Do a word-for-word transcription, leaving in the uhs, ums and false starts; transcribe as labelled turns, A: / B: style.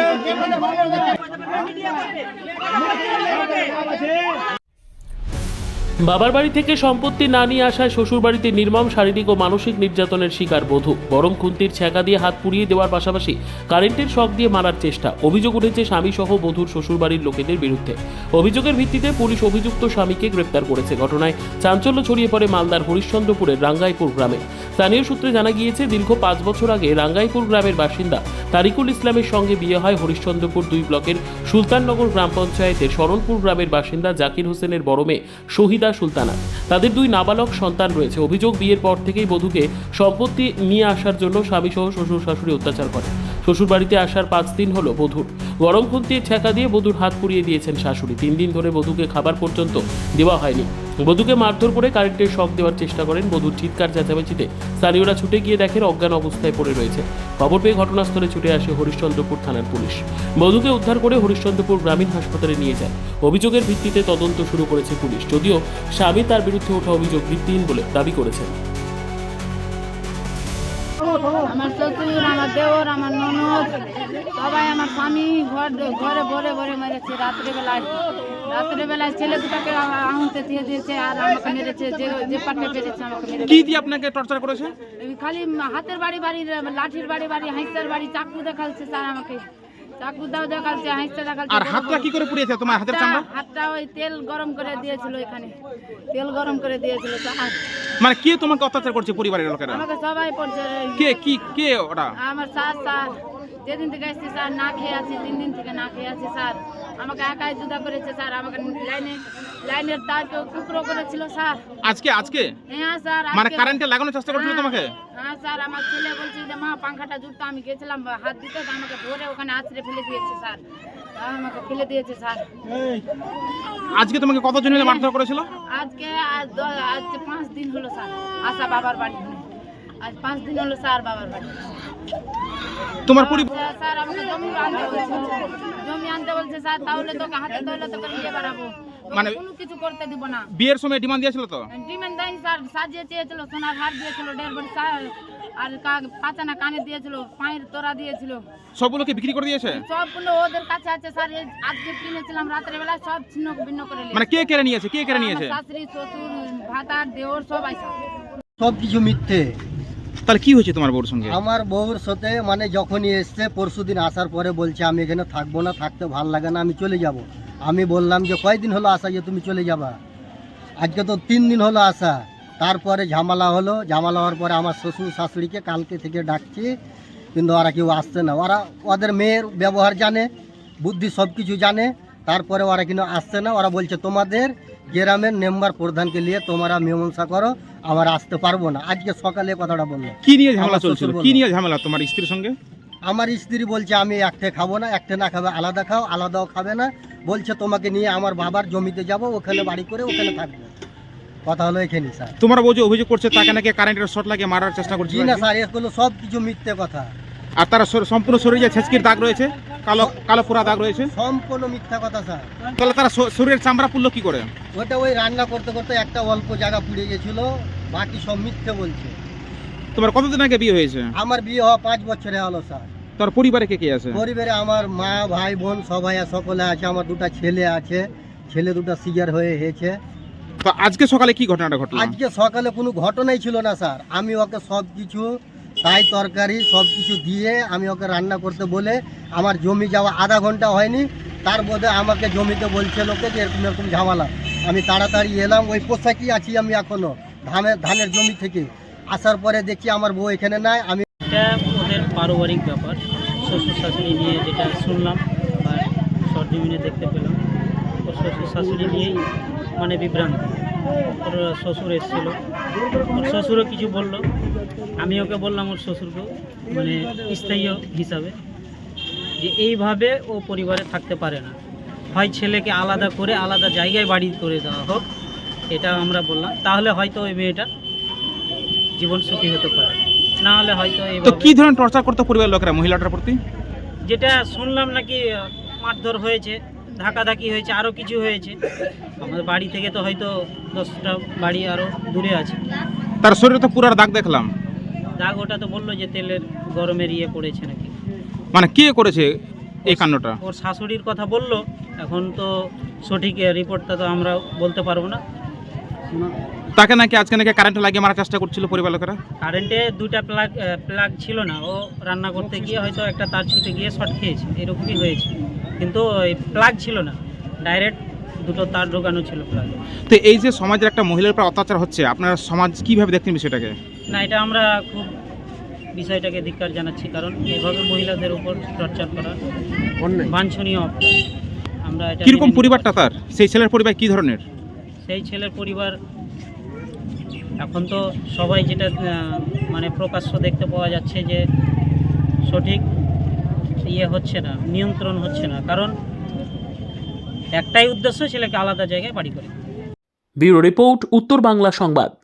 A: বাবার বাড়ি থেকে সম্পত্তি না নিয়ে আসায় শ্বশুর বাড়িতে নির্মম শারীরিক ও মানসিক নির্যাতনের শিকার বধূ। গরম খুন্তির ছ্যাঁকা দিয়ে হাত পুড়িয়ে দেওয়ার পাশাপাশি কারেন্টের শক দিয়ে মারার চেষ্টা। অভিযোগ উঠেছে স্বামী সহ বধূর শ্বশুর বাড়ির লোকেদের বিরুদ্ধে। অভিযোগের ভিত্তিতে পুলিশ অভিযুক্ত স্বামীকে গ্রেপ্তার করেছে। ঘটনায় চাঞ্চল্য ছড়িয়ে পড়ে মালদার হরিশ্চন্দ্রপুরের রাঙ্গাইপুর গ্রামে। স্থানীয় সূত্রে জানা গিয়েছে, দীর্ঘ পাঁচ বছর আগে রাঙ্গাইপুর গ্রামের বাসিন্দা তারিকুল ইসলামের সঙ্গে বিয়ে হয় হরিশ্চন্দ্রপুর দুই ব্লকের সুলতাননগর গ্রাম পঞ্চায়েতের শরণপুর গ্রামের বাসিন্দা জাকির হোসেনের বড় মেয়ে শহীদা সুলতানা। তাদের দুই নাবালক সন্তান রয়েছে। অভিযোগ, বিয়ের পর থেকেই বধূকে সম্পত্তি নিয়ে আসার জন্য স্বামী সহ শ্বশুর শাশুড়ি অত্যাচার করে। শ্বশুর বাড়িতে আসার পাঁচ দিন হলো বধূর গরম খুন্তির ছ্যাঁকা দিয়ে বধূর হাত পুড়িয়ে দিয়েছেন শাশুড়ি। তিন দিন ধরে বধূকে খাবার পর্যন্ত দেওয়া হয়নি। বধূকে মারধর করে কারেন্টের শক দেওয়ার চেষ্টা করেন। বধূর চিৎকার চেঁচামেচিতে স্থানীয়রা ছুটে গিয়ে দেখেন অজ্ঞান অবস্থায় পড়ে রয়েছে। খবর পেয়ে ঘটনাস্থলে ছুটে আসে হরিশ্চন্দ্রপুর থানার পুলিশ। বধূকে উদ্ধার করে হরিশ্চন্দ্রপুর গ্রামীণ হাসপাতালে নিয়ে যায়। অভিযোগের ভিত্তিতে তদন্ত শুরু করেছে পুলিশ, যদিও স্বামী তার বিরুদ্ধে ওঠা অভিযোগ ভিত্তিহীন বলে দাবি করেছেন।
B: আমার শ্বশুর, আমার দেওর, আমার ননদ সবাই আমার স্বামী ঘর ঘরে ভরে ভরে মেরেছে। রাত্রেবেলায় রাত্রেবেলায় ছেলে দুটাকে আঙুলতে দিয়ে দিয়েছে আর আমাকে মেরেছে। যে যে পাটে পেরেছে আমাকে মেরেছে।
C: কি দিয়ে আপনাকে টর্চার করেছে?
B: খালি হাতের বাড়ি বাড়ি, লাঠির বাড়ি বাড়ি, হাঁসের বাড়ি, চাকু দেখাচ্ছে স্যার আমাকে। চাকু দাও দেখাচ্ছে, হাঁসটা দেখাচ্ছে।
C: আর হাতটা কি করে পুড়িয়েছে তোমার হাতের চামড়া?
B: হাতটা ওই তেল গরম করে দিয়েছিল, এখানে তেল গরম করে দিয়েছিল।
C: মানে কে তোমাকে অত্যাচার করছে পরিবারের লোকেরা?
B: আমাকে সবাই পড়ছে।
C: কে কি কে ওরা?
B: আমার স্যার স্যার যেদিন থেকে আসছে স্যার না খেয়ে আছি, তিন দিন থেকে না খেয়ে আছি স্যার। আমাকে একাই জুদা করেছে স্যার। আমাকে লাইনে লাইনের তারকে টুকরো করেছিল স্যার।
C: আজকে আজকে
B: হ্যাঁ স্যার।
C: মানে কারেন্টে লাগানোর চেষ্টা করছিল তোমাকে?
B: হ্যাঁ স্যার। আমার ছেলে বলছে যে মা পাংখাটা জুড়তে, আমি গেছিলাম হাত দিতে, আমাকে ধরে ওখানে আছড়ে ফেলে দিয়েছে স্যার। আমাকে ফেলে দিয়েছে স্যার।
C: আজকে তোমাকে কতজন মিলে মারধর করেছিল?
B: আজকে আজ আজ পাঁচ দিন হলো স্যার আসা বাবার বাড়ি। আজ পাঁচ দিন হলো স্যার বাবার বাড়ি।
C: তোমার পরিবার
B: স্যার আমাকে জমি আনতে বলছে, জমি আনতে বলছে স্যার। তাহলে তোকে হাতে ধরলে তোকে নিয়ে বেড়াবো, মানে কোনো কিছু করতে দিব না।
C: বিয়ের সময় ডিমান্ড দিয়েছিল তো?
B: ডিমান্ড দেয়নি স্যার। সাজিয়ে চেয়েছিল, সোনার হার দিয়েছিল, দেড় ভরি আর পাঁচানা কানে দিয়েছিল, পায়ের তোরা দিয়েছিল।
C: সবগুলোকে বিক্রি করে দিয়েছে?
B: সবগুলো ওদের কাছে আছে স্যার। আজকে কিনেছিলাম রাতের বেলা, সব ছিন্ন ভিন্ন করে নিয়েছে।
C: মানে কে কেড়ে নিয়েছে? কে কেড়ে নিয়েছে?
B: শাশুড়ি, শ্বশুর, ভাতার, দেওর সব আছে।
D: সব কিছু মিথ্যে।
C: তাহলে কি হয়েছে তোমার বউর সঙ্গে?
D: আমার বউর সাথে মানে যখনই এসছে পরশুদিন আসার পরে বলছে আমি এখানে থাকবো না, থাকতে ভাল লাগে না, আমি চলে যাব। আমি বললাম যে কয়দিন হলো আসা যে তুমি চলে যাবা? আজকে তো তিন দিন হলো আসা। তারপরে ঝামেলা হলো। ঝামেলা হওয়ার পরে আমার শ্বশুর শাশুড়িকে কালকে থেকে ডাকছি, কিন্তু ওরা কেউ আসছে না। ওরা ওদের মেয়ের ব্যবহার জানে, বুদ্ধি সব কিছু জানে, তারপরে ওরা কিন্তু আসছে না। ওরা বলছে তোমাদের গ্রামের মেম্বার প্রধানকে নিয়ে তোমরা মীমাংসা করো, আমার আসতে পারবো না। আজকে সকালে কথাটা বললো।
C: কি নিয়ে ঝামেলা চলছিল? কি নিয়ে ঝামেলা তোমার স্ত্রীর সঙ্গে?
D: আমার স্ত্রী বলছে আমি একটা খাবো না, একটা না খাবে আলাদা খাও, আলাদাও খাবে না। বলছে তোমাকে নিয়ে আমার বাবার জমিতে যাব, ওখানে বাড়ি করে ওখানে থাকবো। কথা হলো এখানে স্যার।
C: তোমার বউ যে অভিযোগ করছে তাকে নাকি কারেন্টের শর্ট লাগিয়ে মারার চেষ্টা করছে?
D: জি না স্যার, এগুলো সব কিছু মিথ্যে কথা।
C: আর তার সম্পূর্ণ শরীরে যে ছেচকির দাগ রয়েছে, কালো কালো পোড়া দাগ রয়েছে,
D: সম্পূর্ণ মিথ্যা কথা স্যার।
C: তাহলে তারা শরীরের চামড়া পুড়লো কি করে?
D: ওটা ওই রান্না করতে করতে একটা অল্প জায়গা পুড়ে গেছিল, বাকি সব মিথ্যে বলছে।
C: তোমার কতদিন আগে বিয়ে হয়েছে?
D: আমার বিয়ে হওয়া পাঁচ বছরে হলো স্যার।
C: তোর পরিবারে কে কে আছে?
D: পরিবারে আমার মা, ভাই, বোন সবাই সকলে আছে। আমার দুটো ছেলে আছে, ছেলে দুটো সিজার হয়ে হয়েছে।
C: তো আজকে সকালে কি ঘটনাটা ঘটলো?
D: আজকে সকালে কোনো ঘটনাই ছিল না স্যার। আমি ওকে সব কিছু তাই তরকারি সব কিছু দিয়ে আমি ওকে রান্না করতে বলে, আমার জমি যাওয়া আধা ঘন্টা হয়নি, তার মধ্যে আমাকে জমিতে বলছে লোকে যে এরকম এরকম ঝামেলা। আমি তাড়াতাড়ি এলাম, ওই পোশাকই আছি আমি এখনও ধানের ধানের জমি থেকে। আসার পরে দেখছি আমার বউ এখানে নাই। আমি
E: এটা ওদের পারিবারিক ব্যাপার, শ্বশুর শাশুড়ি নিয়ে যেটা শুনলাম বা সরজমিনে দেখতে পেলাম, ওর শ্বশুর শাশুড়ি নিয়েই মানে বিভ্রান্ত। ওর শ্বশুর এসেছিল, ওর শ্বশুরও কিছু বলল। আমি ওকে বললাম ওর শ্বশুরকেও মানে স্থায়ী হিসাবে যে এইভাবে ও পরিবারে থাকতে পারে না, হয় ছেলেকে আলাদা করে আলাদা জায়গায় বাড়ি করে দেওয়া হোক, এটা আমরা বললাম। তাহলে হয়তো ওই মেয়েটা জীবন সুখী হতে পারে, না হলে হয়তো
C: তো কি ধরনের টর্চার করতে পরিবারের লোকেরা মহিলাটার প্রতি?
E: যেটা শুনলাম নাকি মারধর হয়েছে, ধাকাধাকি হয়েছে, আরও কিছু হয়েছে। আমাদের বাড়ি থেকে তো হয়তো দশটা বাড়ি আরও দূরে আছে।
C: তার শরীরে তো পুরার দাগ দেখলাম।
E: দাগ ওটা তো বললো যে তেলের গরমের ইয়ে পড়েছে নাকি।
C: মানে কে করেছে? এই কাণ্ডটা?
E: ওর শাশুড়ির কথা বললো, এখন তো সঠিক রিপোর্টটা তো আমরা বলতে পারবো না।
C: তাকে নাকি আজকে নাকি কারেন্টে লাগিয়ে মারার চেষ্টা করছিল পরিবার লোকেরা।
E: কারেন্টে দুইটা প্লাগ প্লাগ ছিল না, ও রান্না করতে গিয়ে হয়তো একটা তার ছুটে গিয়ে শর্ট খেয়েছে, এরকমই হয়েছে। কিন্তু ওই প্লাগ ছিল না, ডাইরেক্ট দুটো তার ঢোকানো ছিল প্লাগ।
C: তো এই যে সমাজের একটা মহিলার উপর অত্যাচার হচ্ছে, আপনারা সমাজ কিভাবে দেখতেন বিষয়টাকে?
E: না, এটা আমরা খুব বিষয়টাকে ধিক্কার জানাচ্ছি, কারণ এভাবে মহিলাদের উপর টর্চার করা বাঞ্ছনীয় অপরাধ। আমরা এটা
C: কিরকম
E: মেনে নিতে
C: পরিবারটা
E: পারছি
C: তার? সেই ছেলের পরিবার কি ধরনের?
E: না। সেই ছেলের পরিবার এখন তো সবাই যেটা আহ, মানে প্রকাশ্য দেখতে পাওয়া যাচ্ছে যে সঠিক ইয়ে হচ্ছে না, নিয়ন্ত্রণ হচ্ছে না, কারণ একটাই উদ্দেশ্য ছেলেকে আলাদা জায়গায় বাড়ি করে।
A: ব্যুরো রিপোর্ট, উত্তর বাংলা সংবাদ।